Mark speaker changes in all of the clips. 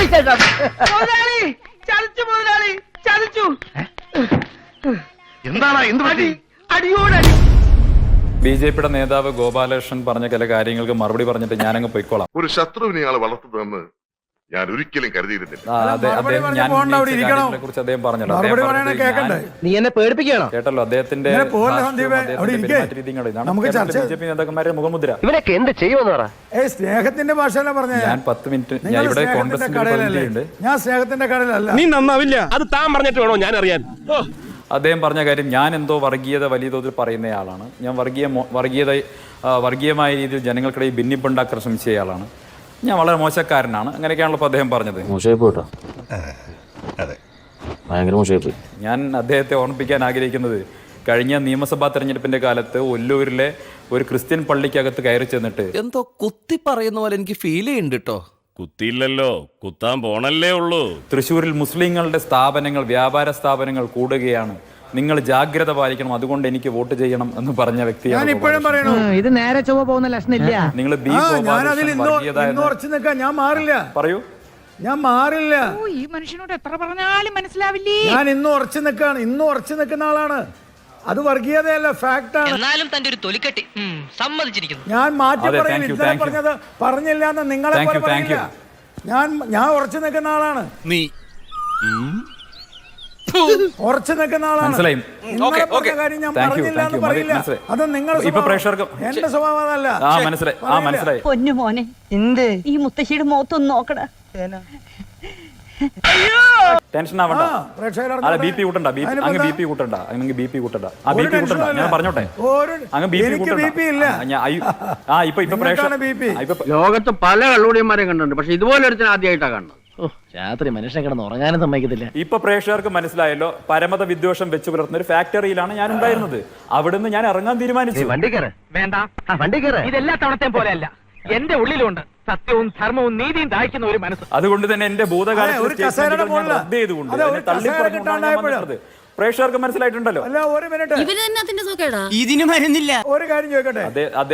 Speaker 1: ബിജെപിയുടെ നേതാവ് ഗോപാലകൃഷ്ണൻ പറഞ്ഞ ചില കാര്യങ്ങൾക്ക് മറുപടി പറഞ്ഞിട്ട് ഞാനങ്ങ് പോയിക്കോളാം.
Speaker 2: ഒരു ശത്രുവിനെ ആള് വളർത്തുന്നതെന്ന് ഞാൻ ഒരിക്കലും കരുതിയിരുന്നില്ല.
Speaker 1: കുറിച്ച് അദ്ദേഹം പറഞ്ഞല്ലോ.
Speaker 3: നീ എന്നെ പേടിപ്പിക്കണോ?
Speaker 1: കേട്ടല്ലോ അദ്ദേഹത്തിന്റെ ബിജെപി നേതാക്കന്മാരുടെ മുഖമുദ്ര.
Speaker 3: ഇവനൊക്കെ എന്ത് ചെയ്യുമെന്ന് പറ.
Speaker 4: സ്നേഹത്തിന്റെ ഭാഷയല്ല പറഞ്ഞ.
Speaker 1: ഞാൻ 10 മിനിറ്റ് ഞാൻ ഇവിടെ കോൺഗ്രസിന്റെ പ്രതിനിധിയുണ്ട്.
Speaker 4: ഞാൻ സ്നേഹത്തിന്റെ കടയിലല്ല.
Speaker 5: നീ നന്നാവില്ല. അത് താൻ പറഞ്ഞിട്ട് വേണോ ഞാൻ അറിയാൻ.
Speaker 1: അദ്ദേഹം പറഞ്ഞ കാര്യം, ഞാൻ എന്തോ വർഗീയത വലിയ തോതിൽ പറയുന്നയാളാണ്. ഞാൻ വർഗീയമായ രീതിയിൽ ജനങ്ങൾക്കിടയിൽ ഭിന്നിപ്പുണ്ടാക്കാൻ ശ്രമിച്ചയാളാണ്. ഞാൻ വളരെ മോശക്കാരനാണ്. അങ്ങനെയൊക്കെയാണല്ലോ ഇപ്പോൾ അദ്ദേഹം പറഞ്ഞത്. ഞാൻ അദ്ദേഹത്തെ ഓർമ്മിപ്പിക്കാൻ ആഗ്രഹിക്കുന്നത്, കഴിഞ്ഞ നിയമസഭാ തെരഞ്ഞെടുപ്പിന്റെ കാലത്ത് ഒല്ലൂരിലെ ഒരു ക്രിസ്ത്യൻ പള്ളിക്കകത്ത് കയറി ചെന്നിട്ട്
Speaker 6: എന്തോ കുത്തി പറയുന്ന പോലെ എനിക്ക് ഫീൽ ചെയ്യുന്നുണ്ട് കേട്ടോ.
Speaker 5: കുത്തിയില്ലല്ലോ, കുത്താൻ പോണല്ലേ ഉള്ളൂ.
Speaker 1: തൃശ്ശൂരിൽ മുസ്ലിങ്ങളുടെ സ്ഥാപനങ്ങൾ, വ്യാപാര സ്ഥാപനങ്ങൾ കൂടുകയാണ്, നിങ്ങൾ ജാഗ്രത പാലിക്കണം, അതുകൊണ്ട് എനിക്ക് വോട്ട് ചെയ്യണം എന്ന് പറഞ്ഞ വ്യക്തിയാണ്.
Speaker 3: ഇത് നേരെ ചൊവ്വ പോകുന്ന ലക്ഷണില്ല.
Speaker 1: നിങ്ങൾ
Speaker 4: ഞാൻ മാറില്ല.
Speaker 1: പറയൂ.
Speaker 4: ഞാൻ മാറില്ല.
Speaker 7: ഈ മനുഷ്യനോട് എത്ര പറഞ്ഞാലും മനസ്സിലാവില്ലേ.
Speaker 4: ഞാൻ ഇന്നും ഉറച്ചു നിൽക്കാണ്. ഇന്നും ഉറച്ചു നിൽക്കുന്ന ആളാണ്. അത് വർഗീയതയല്ല, ഫാക്ട് ആണ്.
Speaker 8: എന്നാലും തന്റെ ഒരു തൊലിക്കെട്ടി സമ്മതിച്ചിരിക്കുന്നു.
Speaker 4: ഞാൻ മാറ്റി പറഞ്ഞത് പറഞ്ഞില്ല എന്ന് നിങ്ങളെ പറയില്ല. ഞാൻ ഉറച്ചു നിൽക്കുന്ന ആളാണ്.
Speaker 6: നീ
Speaker 4: ഉറച്ചു നിൽക്കുന്ന ആളാണ്. കാര്യം ഞാൻ പറഞ്ഞില്ല എന്ന് പറയില്ല. അത് നിങ്ങളുടെ എന്റെ സ്വഭാവം അതല്ല.
Speaker 7: പൊന്നു മോനെ, എന്ത് ഈ മുത്തശ്ശിയുടെ മുഖത്തൊന്ന് നോക്കടാ.
Speaker 1: ടെൻഷൻ ആവണ്ട. ബി പി കൂട്ടണ്ട. അങ്ങ് ബി പി കൂട്ടണ്ട. ഞാൻ പറഞ്ഞോട്ടെ. അങ്ങ് ബി പി കൂട്ടണ്ട.
Speaker 3: ലോകത്ത് പല കള്ളുടിയന്മാരെയും കണ്ടിട്ടുണ്ട്, പക്ഷെ ഇതുപോലെ ഒരു ആദ്യമായിട്ടാണ് കാണുന്നത്. രാത്രി മനുഷ്യൻ കിടന്ന് ഉറങ്ങാനും സമ്മതിക്കത്തില്ല.
Speaker 1: ഇപ്പൊ പ്രേക്ഷകർക്ക് മനസ്സിലായല്ലോ, പരമത വിദ്വേഷം വെച്ച് പുലർത്തുന്ന ഒരു ഫാക്ടറിയിലാണ് ഞാൻ ഉണ്ടായിരുന്നത്. അവിടുന്ന് ഞാൻ ഇറങ്ങാൻ തീരുമാനിച്ചു.
Speaker 3: വണ്ടി കയറ വേണ്ട, വണ്ടി കയറ.
Speaker 8: ഇതെല്ലാ തവണത്തെയും പോലെയല്ല, എന്റെ ഉള്ളിലുണ്ട് സത്യവും ധർമ്മവും നീതിയും ദാഹിക്കുന്ന ഒരു മനസ്സ്.
Speaker 1: അതുകൊണ്ട് തന്നെ എന്റെ ഭൂതകാലത്ത് റദ്ദ് ചെയ്തുകൊണ്ട് തള്ളിപ്പറഞ്ഞത് പ്രേക്ഷകർക്ക് മനസ്സിലായിട്ടുണ്ടല്ലോ.
Speaker 6: ഇതിന് മരുന്നില്ല.
Speaker 4: ഒരു കാര്യം ചോദിക്കട്ടെ.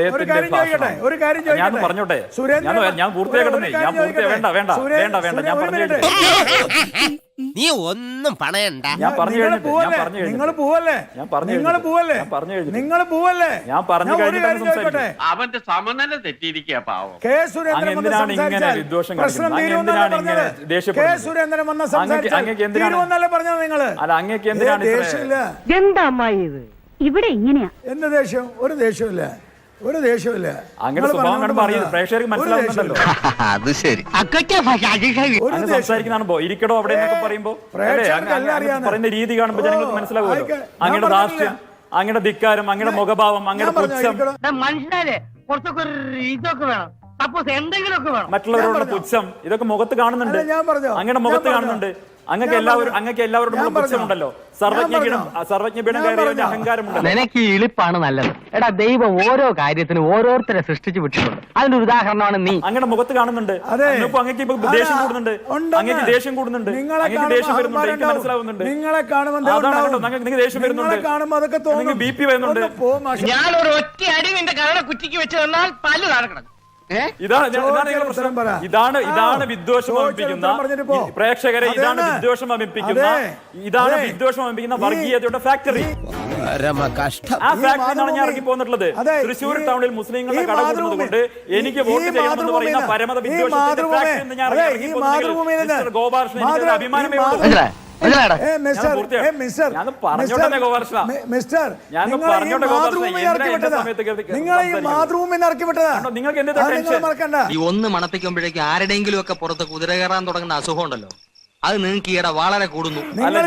Speaker 1: ഞാൻ പറഞ്ഞോട്ടെ. ഞാൻ പൂർത്തിയാക്കട്ടെ. ഞാൻ പറഞ്ഞു.
Speaker 6: നീ ഒന്നും പണയണ്ട.
Speaker 1: ഞാൻ പറഞ്ഞു
Speaker 5: അവന്റെ സമനില തെറ്റിയിരിക്കുക പാവം.
Speaker 1: എന്തിനാണ് ഇങ്ങനെ വിദ്വേഷം കാണിക്കുന്നത്? അല്ല, അങ്ങേക്ക് എന്തിനാണ്
Speaker 7: എന്താ അമ്മായി ഇത്? ഇവിടെ ഇങ്ങനെയാ.
Speaker 4: എന്ത് ദേഷ്യം? ഒരു ദേഷ്യമില്ല.
Speaker 1: അങ്ങനെ സ്വഭാവം കാണുമ്പോൾ അറിയുന്നത് പ്രേക്ഷകർക്ക് മനസ്സിലാവുന്നുണ്ടല്ലോ.
Speaker 3: അത് ശരി.
Speaker 1: സംസാരിക്കുന്നതാണോ ഇരിക്കടോ അവിടെ എന്നൊക്കെ പറയുമ്പോ പറയുന്ന രീതി കാണുമ്പോൾ ജനങ്ങൾക്ക് മനസ്സിലാവുമല്ലോ. അങ്ങയുടെ ധാർഷ്ട്യം, അങ്ങയുടെ ധിക്കാരം, അങ്ങയുടെ മുഖഭാവം, അങ്ങയുടെ പുച്ഛം,
Speaker 8: മനുഷ്യരെ കുറച്ചൊക്കെ ഇതൊക്കെ വേണം. സപ്പോസ് എന്തെങ്കിലുമൊക്കെ വേണം.
Speaker 1: മറ്റുള്ളവരോട് പുച്ഛം, ഇതൊക്കെ മുഖത്ത് കാണുന്നുണ്ട്. അങ്ങയുടെ മുഖത്ത് കാണുന്നുണ്ട്. അങ്ങക്ക് എല്ലാവരോടും പുച്ഛമുണ്ടല്ലോ. സർവജ്ഞപീഠം കയറിയ അഹങ്കാരമുണ്ടല്ലോ.
Speaker 3: നിനക്ക് ഈ ഇളിപ്പാണ് നല്ലത്. എടാ, ദൈവം ഓരോ കാര്യത്തിനും ഓരോരുത്തരെ സൃഷ്ടിച്ചു വിട്ടിട്ടുണ്ട്. അതിന്റെ ഒരു ഉദാഹരണമാണ് നീ.
Speaker 1: അങ്ങയുടെ മുഖത്ത് കാണുന്നുണ്ട്. അങ്ങക്ക് ഇപ്പൊ ദേഷ്യം കൂടുന്നുണ്ട്. അങ്ങക്ക് ദേഷ്യം കൂടുന്നുണ്ട്. അങ്ങക്ക് ദേഷ്യം വരുന്നുണ്ട്. എനിക്ക് മനസ്സിലാവുന്നുണ്ട്.
Speaker 4: നിങ്ങളെ കാണുമ്പോൾ
Speaker 1: നിങ്ങൾക്ക് ദേഷ്യം വരുന്നുണ്ട്. നിങ്ങൾക്ക് BP വരുന്നുണ്ട്.
Speaker 8: ഞാൻ ഒരു ഒറ്റ അടി നിന്റെ കരളെ കുറ്റിക്ക് വെച്ച് തന്നാൽ പല്ല് നടക്കണം.
Speaker 1: ഇതാണ് വിദ്വേഷം വമിപ്പിക്കുന്ന പ്രേക്ഷകരെ. ഇതാണ് വിദ്വേഷം വമിപ്പിക്കുന്ന വർഗീയതയുടെ ഫാക്ടറി. ആ ഫാക്ടറിയാണ് ഞാൻ ഇറങ്ങി പോന്നിട്ടുള്ളത്. തൃശ്ശൂർ ടൗണിൽ മുസ്ലിങ്ങളുടെ കട കൂടുന്നത് കൊണ്ട് എനിക്ക് വോട്ട് ചെയ്യണമെന്ന് പറയുന്ന പരമത വിദ്വേഷത്തിന്റെ ഫാക്ടറി എന്ന് ഞാൻ ഇറങ്ങി പോകുന്നത്. ഗോപാലകൃഷ്ണൻ എനിക്ക് അഭിമാനമേ ഉള്ളൂ.
Speaker 8: ഒന്ന് മണപ്പിക്കുമ്പോഴേക്കും ആരുടെയെങ്കിലും ഒക്കെ പുറത്ത് കുതിര കയറാൻ തുടങ്ങുന്ന അസുഖം ഉണ്ടല്ലോ, അത് നിങ്ങൾക്ക് ഈയിടെ വളരെ കൂടുന്നു.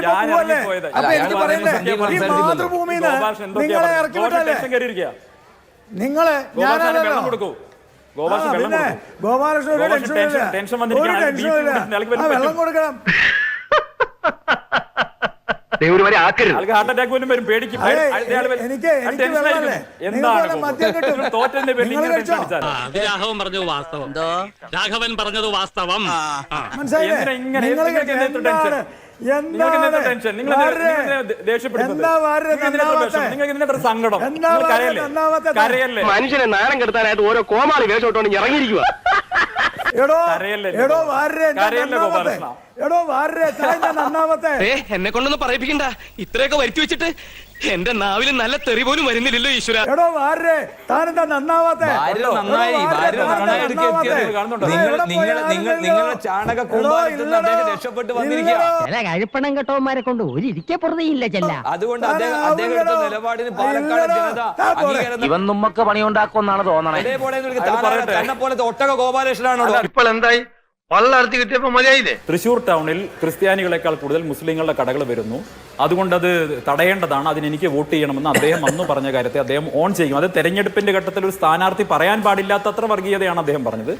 Speaker 4: വെള്ളം കൊടുക്കണം.
Speaker 1: ഹാർട്ട് അറ്റാക്ക് പോലും വരും. പേടിക്കും.
Speaker 5: രാഘവൻ പറഞ്ഞത് വാസ്തവം. രാഘവൻ പറഞ്ഞത് വാസ്തവം.
Speaker 1: സങ്കടം.
Speaker 3: മനുഷ്യനെ നാരം കെടുത്താനായിട്ട് ഓരോ കോമാളി വേഷോട്ടോണ്ട് ഇറങ്ങിയിരിക്കുക.
Speaker 4: എടോ വാരരെ നന്നാമത്തെ
Speaker 6: എന്നെ കൊണ്ടൊന്നും പറയിപ്പിക്കണ്ട. ഇത്രയൊക്കെ വരുത്തി വെച്ചിട്ട് എന്റെ നാവിൽ നല്ല തെറി പോലും വരുന്നില്ലല്ലോ ഈശ്വര.
Speaker 4: എടോ വാരരെ താനെന്താ നന്നാവാത്തെ?
Speaker 1: നിങ്ങളുടെ ചാണക രക്ഷപ്പെട്ട് വന്നിരിക്കുക.
Speaker 7: കഴിപ്പണം കെട്ടവന്മാരെ കൊണ്ട് ഒരു ഇരിക്കെ പുറതെയില്ല ചെല്ല.
Speaker 1: അതുകൊണ്ട് അദ്ദേഹത്തിന്റെ നിലപാടിന് പാലക്കാട് ജനത അംഗീകാരം.
Speaker 3: ഇവൻ നമ്മക്ക് പണിയുണ്ടാക്കുമെന്നാണ് തോന്നണേ.
Speaker 1: തന്നെ പോലത്തെ ഒട്ടക ഗോപാലകൃഷ്ണനാണോ
Speaker 8: ഇപ്പോൾ എന്തായി? പള്ളർത്തി കിട്ടിയപ്പോ മതിയായില്ലേ?
Speaker 1: തൃശൂർ ടൗണിൽ ക്രിസ്ത്യാനികളെക്കാൾ കൂടുതൽ മുസ്ലിങ്ങളുടെ കടകൾ വരുന്നു. അതുകൊണ്ട് അത് തടയേണ്ടതാണ്, അതിന് എനിക്ക് വോട്ട് ചെയ്യണമെന്ന് അദ്ദേഹം അന്ന് പറഞ്ഞ കാര്യത്തെ അദ്ദേഹം ഓൺ ചെയ്യും. അത് തെരഞ്ഞെടുപ്പിന്റെ ഘട്ടത്തിൽ ഒരു സ്ഥാനാർത്ഥി പറയാൻ പാടില്ലാത്തത്ര വർഗീയതയാണ് അദ്ദേഹം പറഞ്ഞത്.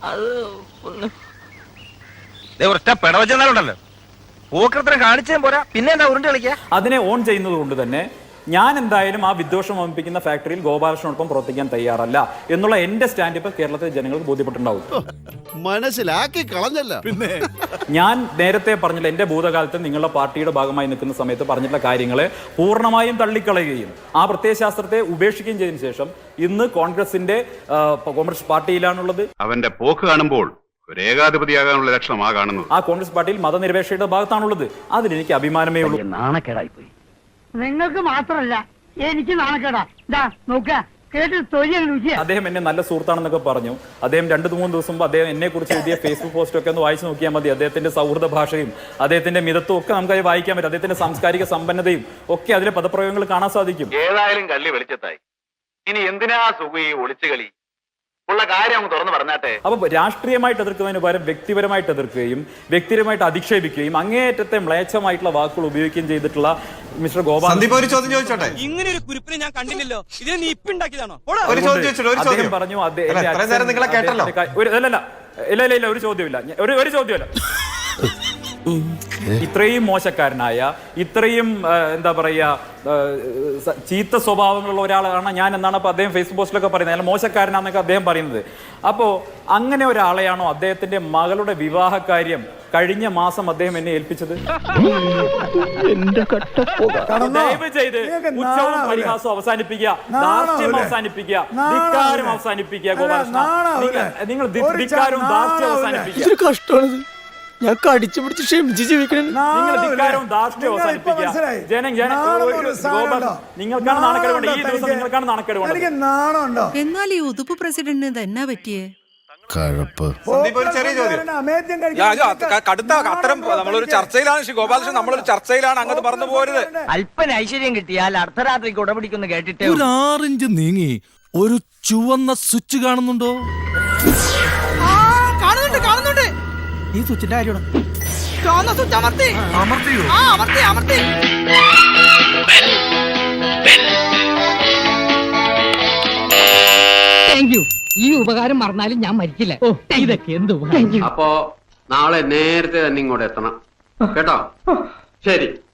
Speaker 8: ഒറ്റ പിടവച്ചെന്നാലുണ്ടല്ലോ പൂക്കൃത്രം കാണിച്ചേ പോരാ, പിന്നെ എന്താ ഉരുണ്ട് കളിക്കുക?
Speaker 1: അതിനെ ഓൺ ചെയ്യുന്നത് കൊണ്ട് തന്നെ ഞാൻ എന്തായാലും ആ വിദ്വേഷം വമിപ്പിക്കുന്ന ഫാക്ടറിയിൽ ഗോപാലകൃഷ്ണനോടൊപ്പം പ്രവർത്തിക്കാൻ തയ്യാറല്ല എന്നുള്ള എന്റെ സ്റ്റാൻഡ് ഇപ്പൊ കേരളത്തിലെ ജനങ്ങൾക്ക് ബോധ്യപ്പെട്ടിട്ടുണ്ടാവും.
Speaker 2: മനസ്സിലാക്കി കളഞ്ഞല്ല. പിന്നെ
Speaker 1: ഞാൻ നേരത്തെ പറഞ്ഞില്ല, എന്റെ ഭൂതകാലത്ത് നിങ്ങളുടെ പാർട്ടിയുടെ ഭാഗമായി നിൽക്കുന്ന സമയത്ത് പറഞ്ഞിട്ടുള്ള കാര്യങ്ങളെ പൂർണ്ണമായും തള്ളിക്കളയുകയും ആ പ്രത്യയശാസ്ത്രത്തെ ഉപേക്ഷിക്കുകയും ചെയ്തതിനു ശേഷം ഇന്ന് കോൺഗ്രസ് പാർട്ടിയിലാണുള്ളത്.
Speaker 2: അവന്റെ പോക്ക് കാണുമ്പോൾ ഒരു ഏകാധിപതിയാകാനുള്ള ലക്ഷണമാ കാണുന്നത്.
Speaker 1: ആ കോൺഗ്രസ് പാർട്ടിയിൽ മതനിരപേക്ഷയുടെ ഭാഗത്താണുള്ളത്. അതിലെനിക്ക് അഭിമാനമേ ഉള്ളൂ.
Speaker 3: നാണക്കേടായി പോയി.
Speaker 7: നിങ്ങൾക്ക് മാത്രല്ല എനിക്ക് നാണക്കേടാ. നോക്ക കേട്ട് തൊഴിൽ രുചിയാ.
Speaker 1: അദ്ദേഹം എന്നെ നല്ല സുഹൃത്താണെന്നൊക്കെ പറഞ്ഞു. അദ്ദേഹം 2-3 ദിവസം മുമ്പ് അദ്ദേഹം എന്നെ കുറിച്ച് എഴുതിയ ഫേസ്ബുക്ക് പോസ്റ്റ് ഒക്കെ ഒന്ന് വായിച്ചു നോക്കിയാൽ മതി. അദ്ദേഹത്തിന്റെ സൗഹൃദ ഭാഷയും അദ്ദേഹത്തിന്റെ മിതത്വം ഒക്കെ നമുക്ക് അത് വായിക്കാൻ പറ്റും. അദ്ദേഹത്തിന്റെ സാംസ്കാരിക സമ്പന്നതയും ഒക്കെ അതിലെ പദപ്രയോഗങ്ങൾ കാണാൻ സാധിക്കും.
Speaker 8: ഏതായാലും കള്ളി വെളിച്ചത്തായി. ഇനി എന്തിനാ സുഖ ഈ ഒളിച്ചുകളി? ഉള്ള കാര്യം അങ്ങ് തുറന്നു പറഞ്ഞാട്ടെ.
Speaker 1: അപ്പൊ രാഷ്ട്രീയമായിട്ട് എതിർക്കുന്നതിന് പകരം വ്യക്തിപരമായിട്ട് എതിർക്കുകയും വ്യക്തിപരമായിട്ട് അധിക്ഷേപിക്കുകയും അങ്ങേയറ്റത്തെ മ്ലേച്ഛമായിട്ടുള്ള വാക്കുകൾ ഉപയോഗിക്കുകയും ചെയ്തിട്ടുള്ള മിസ്റ്റർ ഗോപാൽ
Speaker 9: ഒരു ചോദ്യം ചോദിച്ചോട്ടെ?
Speaker 6: ഇങ്ങനെ ഒരു കുരിപ്പിനെ ഞാൻ കണ്ടില്ലല്ലോ. ഇത് നീ ഇപ്പൊ ഉണ്ടാക്കിയതാണോ?
Speaker 9: ഒരു ചോദ്യം ചോദിച്ചോട്ടെ? ഒരു ചോദ്യം
Speaker 1: പറഞ്ഞു.
Speaker 9: നിങ്ങളെ കേട്ടല്ലോ.
Speaker 1: ഇല്ല ഒരു ചോദ്യമില്ല, ഒരു ചോദ്യമല്ല. ഇത്രയും മോശക്കാരനായ, ഇത്രയും എന്താ പറയാ ചീത്ത സ്വഭാവങ്ങളുള്ള ഒരാളാണ് ഞാൻ എന്നാണ് അപ്പൊ അദ്ദേഹം ഫേസ്ബുക്ക് പോസ്റ്റിലൊക്കെ പറയുന്നത്. അയാൾ മോശക്കാരനാന്നൊക്കെ അദ്ദേഹം പറയുന്നത്. അപ്പോ അങ്ങനെ ഒരാളെയാണോ അദ്ദേഹത്തിന്റെ മകളുടെ വിവാഹ കാര്യം കഴിഞ്ഞ മാസം അദ്ദേഹം എന്നെ ഏൽപ്പിച്ചത്? ദയവ് ചെയ്ത് ഉച്ചവും പരിഹാസവും അവസാനിപ്പിക്കുക, ധാർഷ്ട്യം അവസാനിപ്പിക്കുക, ധിക്കാരം അവസാനിപ്പിക്കുക. ഗോപാലകൃഷ്ണ, നിങ്ങൾ ധിക്കാരവും ധാർഷ്ട്യം അവസാനിപ്പിക്കുക.
Speaker 6: കഷ്ടമാണ്. ഞാൻ കടിച്ചു പിടിച്ച് ക്ഷമിച്ച് ജീവിക്കണം.
Speaker 1: നിങ്ങൾ ധിക്കാരവും ധാർഷ്ട്യം അവസാനിപ്പിക്കുക. നിങ്ങൾക്കാണ് നാണക്കേട് വേണ്ടത്. ഈ ദിവസം നിങ്ങൾക്കാണ് നാണക്കേട് വേണ്ടത്.
Speaker 7: എന്നാൽ ഈ ഉതുപ്പ് പ്രസിഡന്റിന് തന്നെ പറ്റിയേ
Speaker 9: കഴപ്പ്.
Speaker 4: ഒരു ചെറിയ ചോദ്യം.
Speaker 9: കടുത്ത അത്തരം നമ്മളൊരു ചർച്ചയിലാണ് ഗോപാലകൃഷ്ണൻ, നമ്മളൊരു ചർച്ചയിലാണ്, അങ്ങോട്ട് പറഞ്ഞു പോരുത്.
Speaker 3: അല്പന ഐശ്വര്യം കിട്ടിയാൽ അർദ്ധരാത്രിക്ക് ഉടപിടിക്കുന്നു കേട്ടിട്ട്
Speaker 6: ഒരു 6 ഇഞ്ച് നീങ്ങി ഒരു ചുവന്ന സ്വിച്ച് കാണുന്നുണ്ടോ? കാണുന്നുണ്ട്. ഈ സ്വിച്ചിന്റെ കാര്യമാണ്.
Speaker 7: ഈ ഉപകാരം മറന്നാലും ഞാൻ മരിക്കില്ല. ഇതൊക്കെ എന്ത്?
Speaker 8: അപ്പോ നാളെ നേരത്തെ തന്നെ ഇങ്ങോട്ട് എത്തണം കേട്ടോ? ശരി.